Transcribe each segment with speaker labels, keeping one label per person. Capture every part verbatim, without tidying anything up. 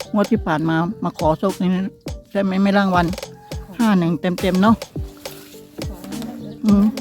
Speaker 1: งวดที่ผ่านมามาขอโชคนี่ใช่ไหมไม่ร่างวันห้าหนึ่งเต็มเต็มๆเนาะอืม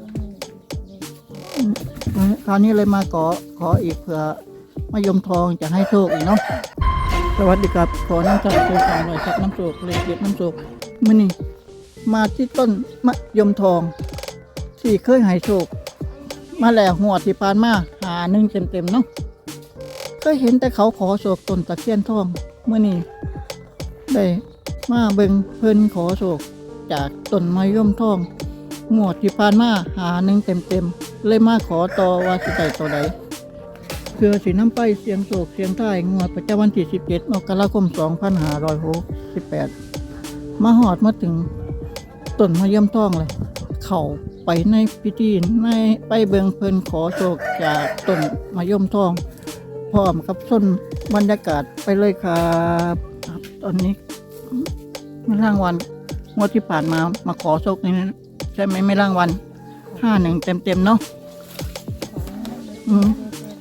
Speaker 1: อืมคราวนี้เลยมาขอขออีกเผื่อมะยมทองจะให้โชคอีกเนาะสวัสดีครับขอน้ำจากตัวสาวหน่อยจากน้ำโชคเลยเด็ดน้ำโชคมื่อนี้มาที่ต้นมะยมทองที่เคยให้โชคมาแล้วหัวดที่ผ่านมาหาหนึ่งเต็มเต็มๆเนาะเคยเห็นแต่เขาขอโชคต้นตะเคียนทองเมื่อนี้ได้มาเบิ่งเพิ่นขอโชคจากต้นมะยมทองหัวดที่ผ่านมาหาหนึ่งเต็มเต็มๆเลยมาขอต่อว่าสิได้ตัวใดเพื่อสินำไปเสียงโชคเสียงท้ายงวดประจำวันที่สิบเจ็ดมกราคมสองพันห้าร้อยหกสิบแปดมาหอดมาถึงต้นมะยมทองเลยเข้าไปในพิธีในไปเบิ่งเพิ่นขอโชคจากต้นมะยมทองพร้อมกับส้นบรรยากาศไปเลยครับครับตอนนี้ไม่ร่างวันงวดที่ผ่านมามาขอโชคนี่ใช่ไหมไม่ร่างวันห้าหนึ่งเต็มเต็มๆเนาะอืม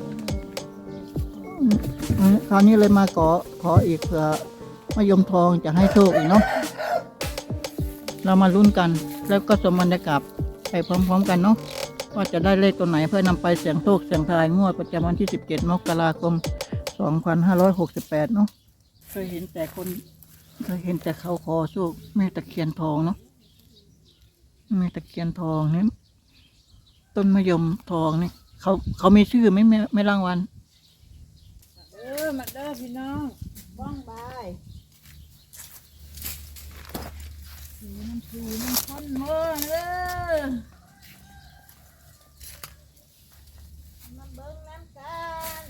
Speaker 1: อืมคราวนี้เลยมาขอขออีกเผื่อมะยมทองจะให้โชคอีกเนาะเรามาลุ้นกันแล้วก็สมบรรยากาศไปพร้อมๆกันเนาะว่าจะได้เลขตัวไหนเพื่อนำไปเสี่ยงโชคเสี่ยงทายงวดประจำวันที่สิบเจ็ดมกราคมสองพันห้าร้อยหกสิบแปดเนาะเคยเห็นแต่คนเคยเห็นแต่เขาขอโชคแม่ตะเคียนทองเนาะแม่ตะเคียนทองนี่ต้นมะยมทองนี่เขาเขามีชื่อไหมไม่ไม่รางวัล
Speaker 2: เออมาเด้อพี่น้องบ้องบายสีน้ำชูน้ำข้นเมื่อเด้อมาเบิ้งน้ำกัน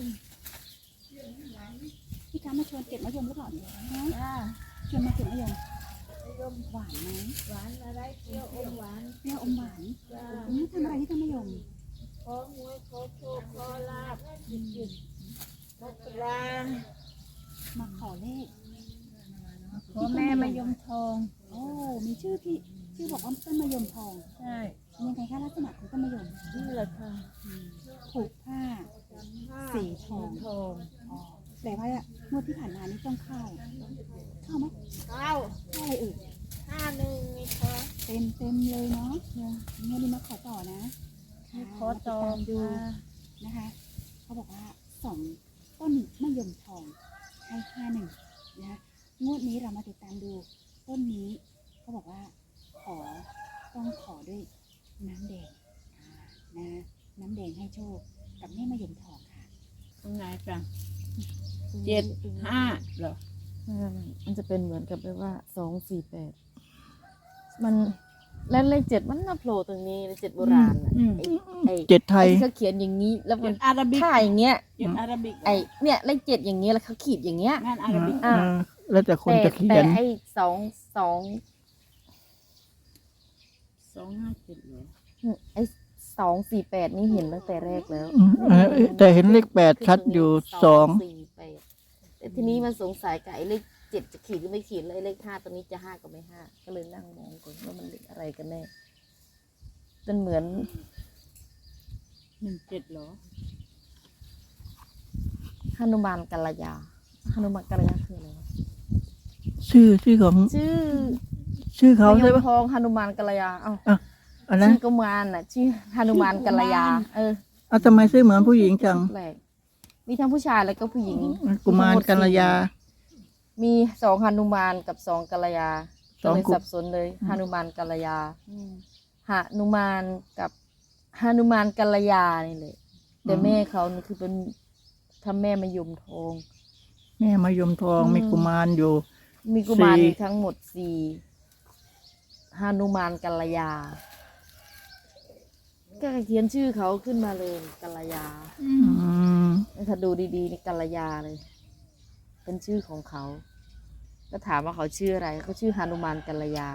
Speaker 3: พี่คะมาชวนเก็บมะยมหรือเปล่าเนี่ย
Speaker 2: จ้า
Speaker 3: ชวนมาเก็บมะยม
Speaker 2: มะยม
Speaker 3: หวานไหม
Speaker 2: หวานอะไรเปรี้ยวอมหวาน
Speaker 3: เปรี้ยวอมหวาน
Speaker 2: จ้า
Speaker 3: อืมทำอะไรที่ต้นมะยม
Speaker 2: ขอหวยขอโชคขอลาบจิตจิตมกรา
Speaker 3: มาขอเลข
Speaker 2: ขอแม่มะยมทอง
Speaker 3: โอ้มีชื่อพี่ชื่อบอกว่าต้นมะยมทอง
Speaker 2: ใช่
Speaker 3: ยังไงคะลักษณะของต้นมะยม
Speaker 2: นี่แหละค่ะ
Speaker 3: ผูกผ้า สีทอง
Speaker 2: ทอง
Speaker 3: อ๋อแต่ว่างวดที่ผ่านมานี่ต้องเข้าเข้าไหม
Speaker 2: เข้า
Speaker 3: เข้าอะไรเอ่ย
Speaker 2: ห้าหนึ่งมีค่ะ
Speaker 3: เต็มเต็มเลยเนาะงวดนี้มาขอต่อนะ
Speaker 2: มีขอจอ
Speaker 3: มาติดตาม
Speaker 2: ดู
Speaker 3: ดูนะคะเขาบอกว่าสองต้นมะยมทองให้ห้าหนึ่งนะคะงวดนี้เรามาติดตามดูต้นนี้เขาบอกว่าขอต้องขอด้วยน้ำแดงอ่านะน้ำแดงให้โชคกับแม่มะยมทองค่ะ
Speaker 2: ตรงไหนจังเจ็ดห้าเหรอ
Speaker 4: ไม่ไม่ไม่มันจะเป็นเหมือนกับแบบว่าสองสี่แปดมันแล้วเลขเจ็ดมันน่าโผล่ตรงนี้เลขเจ็ดโบราณน่ะ
Speaker 2: อืม
Speaker 4: ไอ้ไอ้
Speaker 1: เจ็ดไทย
Speaker 4: ไอ้ที่เขาเขียนอย่างนี้ แล้วมั
Speaker 2: เจ็
Speaker 4: น
Speaker 2: ดอาราบิก
Speaker 4: ท่าอย่างเงี้ย
Speaker 2: เจ็ดอาราบิก
Speaker 4: ไอ้เนี่ยเลขเจ็ดอย่างเงี้ยแล้วเขาขีดอย่างเงี้ย
Speaker 2: งานอาราบิก
Speaker 4: อ่า
Speaker 1: อ่าแล้วแต่คน
Speaker 4: แต่
Speaker 1: จะเขี
Speaker 4: แต่
Speaker 1: ยน
Speaker 4: ไอ้สองสอง
Speaker 2: สองห้าเจ็ดเหรอ
Speaker 4: ไอ้สองสี่แปดนี่เห็นตั้งแต่แรกแล้ว
Speaker 1: อืมเออแต่เห็นเลขแปดชัดอยู่สอง
Speaker 4: สี่แปดแต่ทีนี้มันสงสัยกับไอ้เลขเจ็ดจะขีดหรือไม่ขีดแล้วไอ้เลขห้าตัวนี้จะห้าก็ไม่ห้าก็เลยนั่งมองก่อนว่ามันเลขอะไรกันแน่มันเหมือน
Speaker 2: หนึ่งเจ็ดเหรอ
Speaker 4: ฮนุมานกัลยาฮนุมานกัลยาคืออะไรวะ
Speaker 1: ชื่อชื่อของ
Speaker 4: ชื่อ
Speaker 1: ชื่อเขา
Speaker 4: มะย
Speaker 1: ใช่
Speaker 4: ม
Speaker 1: ปะ
Speaker 4: ทองฮนุมานกัลยาเอ้า
Speaker 1: อันนั้น
Speaker 4: ชื่อกุมารน่ะชื่อฮนุมานกัลยา เออ
Speaker 1: เอาทำไมชื่อเหมือนผู้หญิงจัง
Speaker 4: แปลกมีทั้งผู้ชายแล้วก็ผู้หญิง
Speaker 1: กุมารกัลยา
Speaker 4: มีสองฮนุมานกับสองกัลยา
Speaker 1: สอง
Speaker 4: เลย
Speaker 1: กุ
Speaker 4: สับสนเลยฮนุมานกัลยาหนุมานกับฮนุมานกัลยานี่เลยแต่แม่เขานี่คือเป็นทำแม่มายมทอง
Speaker 1: แม่มายมทอง
Speaker 4: อืม
Speaker 1: มีกุมารอยู่
Speaker 4: มีกุมาร
Speaker 1: สี่
Speaker 4: ทั้งหมดสี่ฮานุมานกัลยา ก็เขียนชื่อเขาขึ้นมาเลยกัลยา
Speaker 1: อืม
Speaker 4: ถ้าดูดีๆนี่กัลยาเลย เป็นชื่อของเขา ก็ถามว่าเขาชื่ออะไรเขาชื่อฮานุมานกัลยา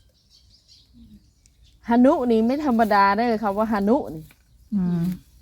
Speaker 4: ฮานุนี่ไม่ธรรมดาได้เลยครับว่าฮานุนี่
Speaker 1: อืม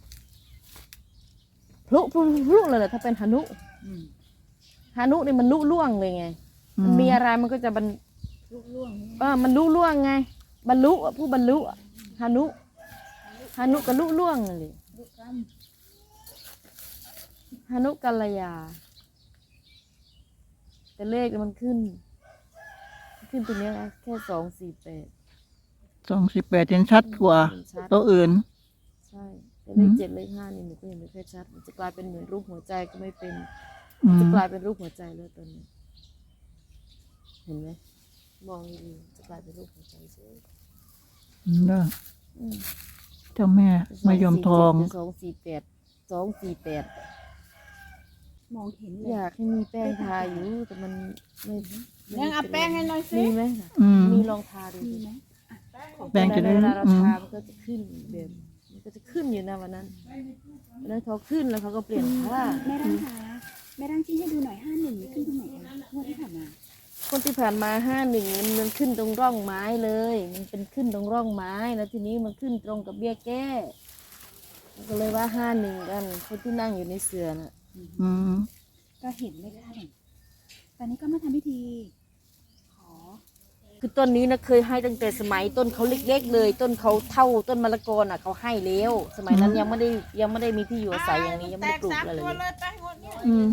Speaker 4: พลุพลุพลุเลยแหละถ้าเป็นฮานุ
Speaker 2: อืม
Speaker 4: ฮานุนี่มันลุล่วงเลยไง มันมีอะไรมันก็จะบรร
Speaker 2: ลูกล่วง
Speaker 4: เออมันลุล่วงไง บรรลุอะผู้บรรลุอะฮานุฮานุกับลุล่วงเลย
Speaker 2: ลูกก
Speaker 4: ฮานุกัลยา
Speaker 2: ำ
Speaker 4: แต่เลขมันขึ้น ขึ้นตรงเนี้ยนะแค่สองสี่แปด
Speaker 1: สองสิบแปดเห็นชัดกว่า
Speaker 4: เห็นชัด
Speaker 1: ตัวอื่น
Speaker 4: ใช่แต่เล
Speaker 1: อื
Speaker 4: ข
Speaker 1: ม
Speaker 4: เจ็ดเลขห้านี่หนูก็ยังไม่ค่อยชัด มันจะกลายเป็นเหมือนรูปหัวใจก็ไม่เป็น
Speaker 1: อื
Speaker 4: จะ
Speaker 1: ม
Speaker 4: กลายเป็นรูปหัวใจแล้วตอนนี้ เห็นไหมมองดีๆจะกลายเป็นรูปหัวใจเฉย
Speaker 1: ได้
Speaker 4: อืม
Speaker 1: เจ้าแม่มายมทอง
Speaker 4: สองสี่แปดสองสี่แปด
Speaker 3: มองเห็นเล
Speaker 4: อย ยากให้มีแป้งทาอยู่แต่มันไม่ไม่
Speaker 2: ยังเอาแป้งให้หน่อยสิ
Speaker 4: มีไหม
Speaker 1: อืม
Speaker 4: มีลองทาดู
Speaker 3: มี
Speaker 4: สิ
Speaker 3: ไหม
Speaker 1: แป้งจะได้
Speaker 4: เวลาเรา
Speaker 1: อืม
Speaker 4: ทามันก็จะขึ้นแบบมันก็จะขึ้นอยู่นะวันนั้นวันนั้นเขาขึ้นแล้วเขาก็เปลี่ยนผ้า
Speaker 3: แม่ร่างคะแม่ร่างชี้ให้ดูหน่อยห้าหนึ่งขึ้นตรงไหนคะงวดที่ผ่านมา
Speaker 4: คนที่ผ่านมาห้าหนึ่งมันมันขึ้นตรงร่องไม้เลย มันเป็นขึ้นตรงร่องไม้แล้วทีนี้มันขึ้นตรงกับเบี้ยแก้มันก็เลยว่าห้าหนึ่งกันคนที่นั่งอยู่ในเสือน่ะ
Speaker 1: อืม
Speaker 3: ก็เห็นเลขห้าหนึ่งตอนนี้ก็มาทำพิธี ขอ
Speaker 4: คือต้นนี้นะเคยให้ตั้งแต่สมัยต้นเขาเล็กๆเลย ต้นเขาเท่าต้นมะละกอน่ะเขาให้แล้วสมัยนั้นยังไม่ได้ยังไม่ได้มีที่อยู่อาศัยอย่างนี้ยังไม่ได้ปลูกอะไร
Speaker 2: แตสามตัว
Speaker 4: เลย
Speaker 2: เลยไปหมดเนี่ย
Speaker 1: อืม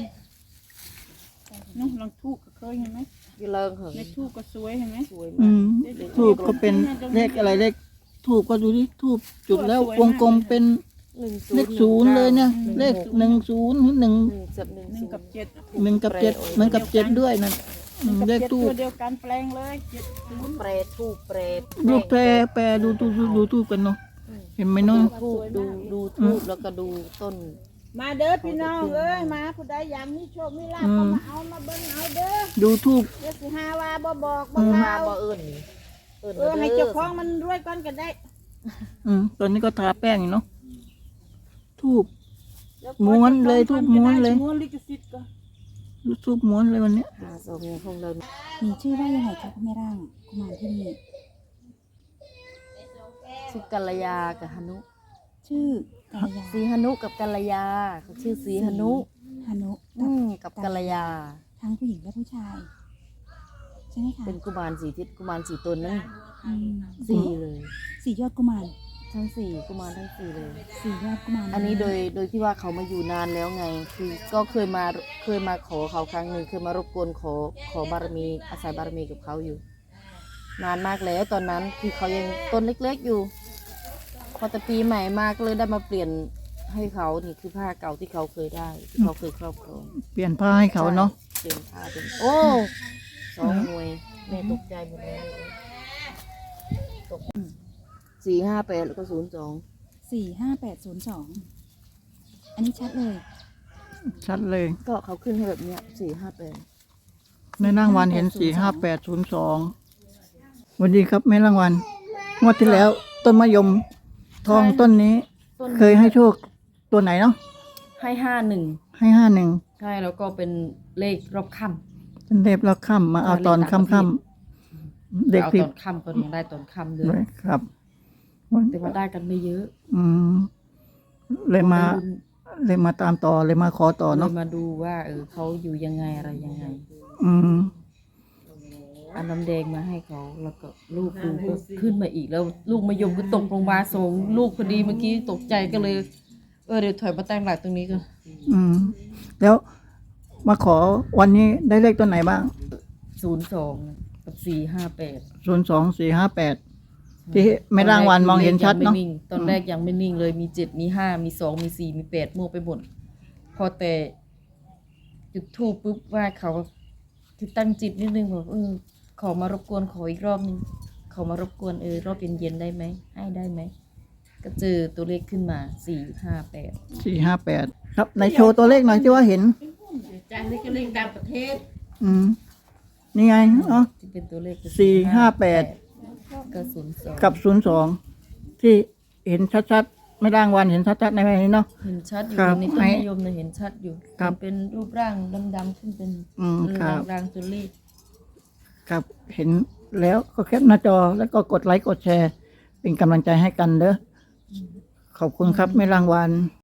Speaker 2: นู่นลองทูกก็เคยเห็นไหม
Speaker 4: อยู่เลิงเหรอ
Speaker 2: ในทูกก็สวยเห็นไหม
Speaker 4: สวย
Speaker 1: อื
Speaker 4: มาก
Speaker 1: มทูบก็เป็นเลขอะไรเลขทูบก็ดูดิทูบจุดแล้ววงกลมเป็น
Speaker 4: หนึ่ง
Speaker 1: เลขศูนย์เลยเนี่ย เลขหนึ่งศูนย์หรือหนึ่ง
Speaker 4: หนึ่งจับหนึ่ง
Speaker 2: หนึ่งกับเจ็ด
Speaker 1: หนึ่งกับเจ็ดเหมือนกับเจ็ดด้วยนั่นอืม
Speaker 2: กับ
Speaker 1: เลข
Speaker 2: เจ็ด
Speaker 1: ทู
Speaker 2: ตั
Speaker 1: บ
Speaker 2: วเดียวกันแปลงเลยเจ็ดศูนย์
Speaker 4: เปรตทูบเปรต
Speaker 1: ดูแปรแปรดูทูบดูดูทูบกันเนาะเห็นไหมเนาะ
Speaker 4: ทูบดูดูทูบแล้วก็ดูต้น
Speaker 2: มาเด้อพี่น้องเอ้ยมาผู้ใดอยากมีโชคมีลาภก็มาเอามาเบิ่งเอาเด้อ
Speaker 1: ดูทูบ
Speaker 2: เดี๋ยวสิหาว่าบ่บอกบ่
Speaker 4: มา
Speaker 2: เล่า
Speaker 4: บ่เอิญเอิญ
Speaker 2: เออให้เจ้าของมันรวยก่อนก็ได้
Speaker 1: อืมตอนนี้ก็ทาแป้งอยู่เนาะทูบ
Speaker 2: ดี๋ย
Speaker 1: ม้วนเลยทุกม้วนเลย
Speaker 2: ม้วนลิขสิทธิ์ก็
Speaker 1: ทูบม้วนเลยวันเนี้ย
Speaker 4: หาสองคงเลย
Speaker 3: มีชื่อว่ายังไงคะคุณแม่ร่างกุมารที่นี่
Speaker 4: ชื่อกัลยากับฮานุ
Speaker 3: ชื่อกัลยา
Speaker 4: สีฮานุกับกัลยาเขาชื่อสีฮานุ
Speaker 3: ฮานุ
Speaker 4: อืมกับกัลยา
Speaker 3: ทั้งผู้หญิงและผู้ชาย ใช่ไหมคะ
Speaker 4: เป็นกุมารสีทิศกุมารสีตนนั่น
Speaker 3: อืม
Speaker 4: สี่เลย
Speaker 3: สี่ยอดกุมาร
Speaker 4: ทั้งสี่กุมารทั้งสี่เลย
Speaker 3: สี่ยอดกุมาร
Speaker 4: อันนี้โดยโดยที่ว่าเขามาอยู่นานแล้วไง คือก็เคยมาเคยมาขอเขาครั้งหนึ่งเคยมารบกวนขอขอบารมีอาศัยบารมีกับเขาอยู่ นานมากแล้วตอนนั้นคือเขายังต้นเล็กๆอยู่ พอแต่ปีใหม่มาก็เลยได้มาเปลี่ยนให้เขานี่คือผ้าเก่าที่เขาเคยได้ที่เขาเคยครอบครอง
Speaker 1: เปลี่ยนผ้าให้เขาเนาะ
Speaker 4: เปลี่ยนผ้าเป็นโอ้สองหน่วยแม่ตกใจหมดเลยตกสี่ห้าแปดแล้วก็ศูนย์สอง
Speaker 3: สี่ห้าแปดศูนย์สองอันนี้ชัดเลย
Speaker 1: ชัดเลย
Speaker 4: ก็เขาขึ้นให้แบบเนี้ยสี่ห้าแปด
Speaker 1: แม่รางวัลเห็นสี่ห้าแปดศูนย์สองวันดีครับแม่รางวัลงวดที่แล้ว ต้นมะยมทองต้นนี้
Speaker 4: ต้น
Speaker 1: เคยให้โชคตัวไหนเนาะ
Speaker 4: ให้ห้าหนึ่ง
Speaker 1: ให้ห้าหนึ่ง
Speaker 4: ใช่แล้วก็เป็นเลขรอบค่
Speaker 1: เป็นเทพแล้วค่ำมาเอาตอนค่ำค่ำ
Speaker 4: ำ
Speaker 1: เด็ก
Speaker 4: เอา
Speaker 1: ที่
Speaker 4: ตอนค่ำก็ยังได้ตอนค่ำเล
Speaker 1: ด้วย
Speaker 4: ย
Speaker 1: ครับ
Speaker 4: แต่ว่าได้กันไม่เยอะ
Speaker 1: อืมเลยมา
Speaker 4: ลุ้น
Speaker 1: เลยมาตามต่อเลยมาขอต่อ
Speaker 4: เล
Speaker 1: เนาะ
Speaker 4: ยมาดูว่าเออเขาอยู่ยังไงอะไรยังไง
Speaker 1: อืม
Speaker 4: เอาน้ำแดงมาให้เขาแล้วก็ลูกดูก็ขึ้นมาอีกแล้ว ลูกมายมก็ตกลงมาสองลูกพอดีเมื่อกี้ตกใจก็เลย เออเดี๋ยวถอยมาตั้งหลักตรงนี้ก็
Speaker 1: อืม แล้วมาขอวันนี้ได้เลขตัวไหนบ้าง
Speaker 4: ศูนย์สองกับสี่ห้าแปด
Speaker 1: ศูนย์สองสี่ห้าแปดที่แม่รางวัลมองเห็นชัดเนาะ
Speaker 4: ตอนแรกยังไม่นิ่งเลยมีเจ็ดมีห้ามีสองมีสี่มีแปดมั่วไปหมดพอแต่จุดทูปปุ๊บว่าเขาคือตั้งจิตนิดนึงบอกเออขอมารบกวนขออีกรอบนึงขอมารบกวนเออรอบเย็นๆได้ไหมให้ได้ไหมก็เจอตัวเลขขึ้นมาสี่ห้าแปด
Speaker 1: สี่ห้าแปดครับในโชว์ตัวเลขหน่อยที่ว่าเห็น
Speaker 2: จานนี้ก็เล่นต่างประเทศ
Speaker 1: อืม นี่ไงเนาะ
Speaker 4: ที่เป็นตัวเลขคือ
Speaker 1: สี่ห้าแปด
Speaker 4: ก็ศูนย์สอง
Speaker 1: กับศูนย์สองที่เห็นชัดๆไม่รางวัลเห็นชัดๆในแบบนี้เนาะ
Speaker 4: เห็นชัดอยู่
Speaker 1: ครับ
Speaker 4: ในต้นนิยมเนี่ยเห็นชัดอยู่
Speaker 1: ครับ
Speaker 4: มันเป็นรูปร่างดำๆขึ้นเป็น
Speaker 1: อืม
Speaker 4: เออ
Speaker 1: ครับ
Speaker 4: รางๆตัวเลข
Speaker 1: ครับเห็นแล้วก็แคปหน้าจอแล้วก็กดไลค์กดแชร์ เป็นกำลังใจให้กันเด้อขอบคุณครับไม่รางวัล